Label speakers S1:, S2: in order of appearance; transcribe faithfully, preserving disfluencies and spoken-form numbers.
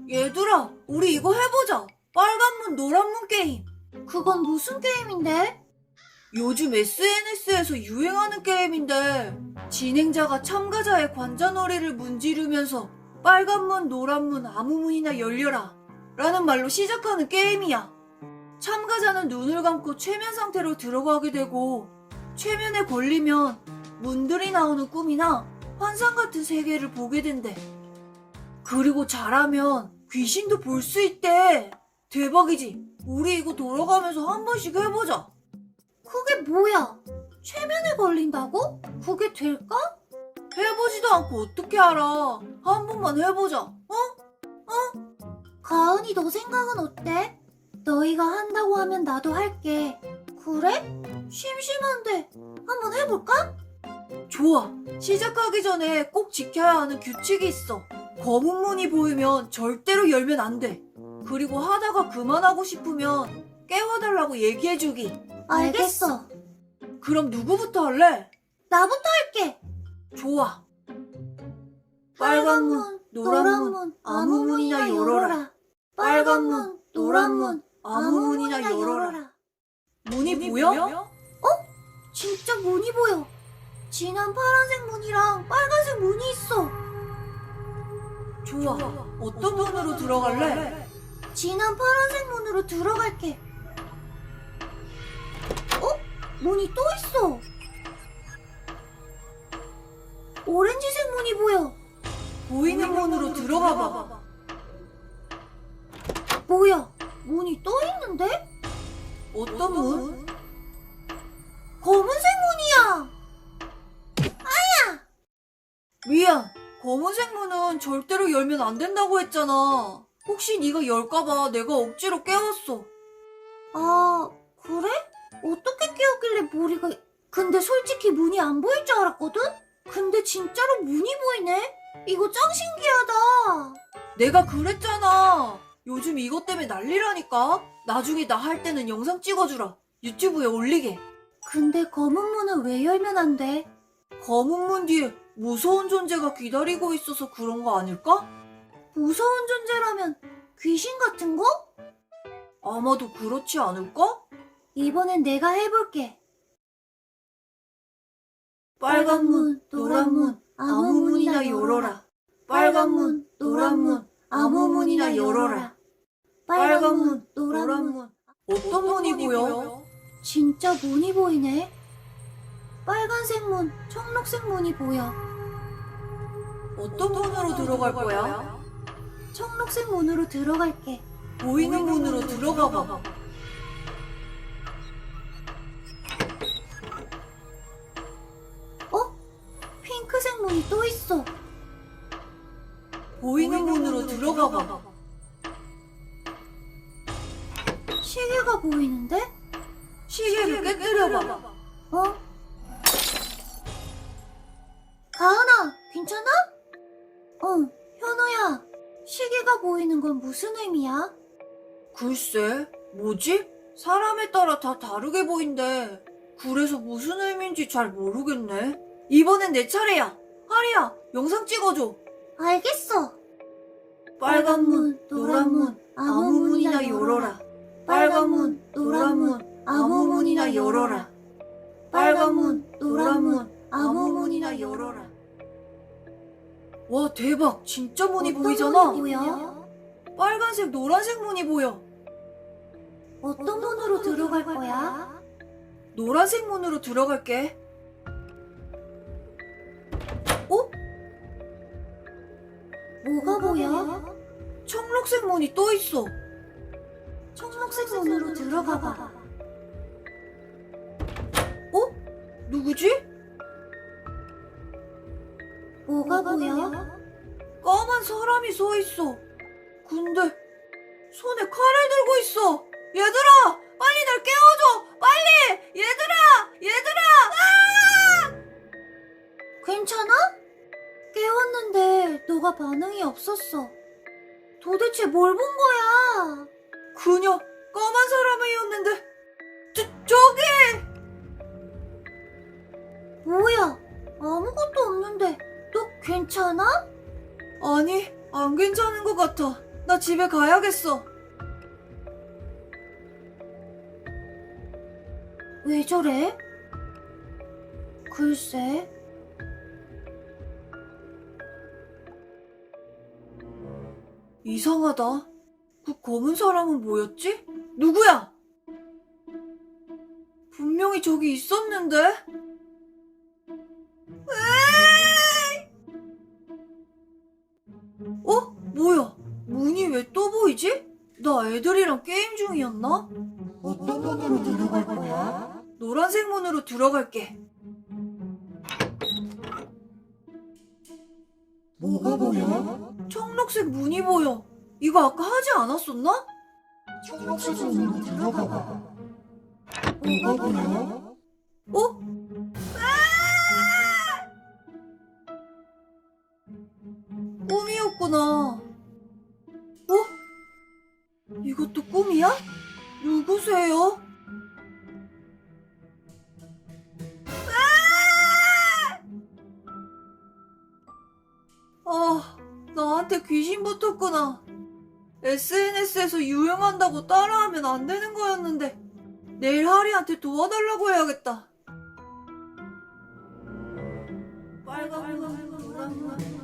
S1: 얘들아, 우리 이거 해보자. 빨간 문, 노란 문 게임.
S2: 그건 무슨 게임인데?
S1: 요즘 에스엔에스에서 유행하는 게임인데 진행자가 참가자의 관자놀이를 문지르면서 빨간 문, 노란 문, 아무 문이나 열려라 라는 말로 시작하는 게임이야. 참가자는 눈을 감고 최면 상태로 들어가게 되고 최면에 걸리면 문들이 나오는 꿈이나 환상 같은 세계를 보게 된대. 그리고 잘하면 귀신도 볼 수 있대. 대박이지? 우리 이거 돌아가면서 한 번씩 해보자.
S2: 그게 뭐야? 최면에 걸린다고? 그게 될까?
S1: 해보지도 않고 어떻게 알아. 한 번만 해보자. 어?
S2: 가은이 너 생각은 어때? 너희가 한다고 하면 나도 할게. 그래? 심심한데 한번 해볼까?
S1: 좋아. 시작하기 전에 꼭 지켜야 하는 규칙이 있어. 검은 문이 보이면 절대로 열면 안 돼. 그리고 하다가 그만하고 싶으면 깨워달라고 얘기해주기.
S2: 알겠어.
S1: 그럼 누구부터 할래?
S2: 나부터 할게.
S1: 좋아. 빨간 문, 노란 문, 아무 문이나 열어라. 빨간 문, 노란 문, 아무 문이나 열어라. 문이 보여?
S2: 진짜 문이 보여. 진한 파란색 문이랑 빨간색 문이 있어.
S1: 좋아. 어떤 문으로 들어갈래?
S2: 진한 파란색 문으로 들어갈게. 어? 문이 또 있어. 오렌지색 문이 보여.
S1: 보이는 문으로 들어가봐.
S2: 뭐야? 문이 또 있는데?
S1: 어떤 문?
S2: 검은색 문이야.
S1: 미안. 검은색 문은 절대로 열면 안 된다고 했잖아. 혹시 네가 열까봐 내가 억지로 깨웠어.
S2: 아, 그래? 어떻게 깨웠길래 머리가... 근데 솔직히 문이 안 보일 줄 알았거든? 근데 진짜로 문이 보이네? 이거 짱 신기하다.
S1: 내가 그랬잖아. 요즘 이것 때문에 난리라니까. 나중에 나 할 때는 영상 찍어주라. 유튜브에 올리게.
S2: 근데 검은 문은 왜 열면 안 돼?
S1: 검은 문 뒤에 무서운 존재가 기다리고 있어서 그런 거 아닐까?
S2: 무서운 존재라면 귀신 같은 거?
S1: 아마도 그렇지 않을까?
S2: 이번엔 내가 해볼게.
S1: 빨간 문, 노란 문, 아무 문이나 열어라. 빨간 문, 노란 문, 아무 문이나 열어라. 빨간 문, 노란 문. 어떤 문이 보여?
S2: 진짜 문이 보이네. 빨간색 문, 청록색 문이 보여.
S1: 어떤 문으로 들어갈 거야?
S2: 청록색 문으로 들어갈게.
S1: 보이는 문으로 들어가봐.
S2: 어? 핑크색 문이 또 있어.
S1: 보이는 문으로 들어가봐.
S2: 시계가 보이는데?
S1: 시계를 깨뜨려봐.
S2: 어? 가은아, 괜찮아? 응, 현우야. 시계가 보이는 건 무슨 의미야?
S1: 글쎄, 뭐지? 사람에 따라 다 다르게 보인대. 그래서 무슨 의미인지 잘 모르겠네. 이번엔 내 차례야. 하리야, 영상 찍어줘.
S2: 알겠어.
S1: 빨간 문, 노란 문, 아무 문이나 열어라. 빨간 문, 노란 문, 아무 문이나 열어라. 빨간 문, 노란 문, 아무 문이나 열어라. 와, 대박. 진짜 문이
S2: 어떤
S1: 보이잖아.
S2: 문이 보여?
S1: 빨간색, 노란색 문이 보여.
S2: 어떤 문으로 들어갈 거야?
S1: 노란색 문으로 들어갈게. 어?
S2: 뭐가 보여?
S1: 청록색 문이 또 있어.
S2: 청록색 문으로 들어가봐.
S1: 어? 누구지?
S2: 뭐가 보여?
S1: 까만 사람이 서 있어. 근데 손에 칼을 들고 있어. 얘들아, 빨리 날 깨워줘. 빨리, 얘들아, 얘들아.
S2: 괜찮아? 깨웠는데 너가 반응이 없었어. 도대체 뭘 본 거야?
S1: 그녀 까만 사람이었는데. 저 저기.
S2: 뭐야? 아무것도 없는데 너 괜찮아?
S1: 아니, 안 괜찮은 것 같아. 나 집에 가야겠어.
S2: 왜 저래? 글쎄.
S1: 이상하다. 그 검은 사람은 뭐였지? 누구야? 분명히 저기 있었는데? 에이! 어? 뭐야? 문이 왜 또 보이지? 나 애들이랑 게임 중이었나?
S3: 어떤 문으로 들어갈 거야?
S1: 노란색 문으로 들어갈게.
S3: 뭐가 보여?
S1: 청록색 문이 보여. 이거 아까 하지 않았었나?
S3: 청록색 문으로 들어가 봐. 뭐가 보여?
S1: 어? 꿈이었구나. 어? 이것도 꿈이야? 누구세요? 아, 나한테 귀신 붙었구나. 에스엔에스에서 유행한다고 따라하면 안 되는 거였는데 내일 하리한테 도와달라고 해야겠다. 빨간 문, 노란 문,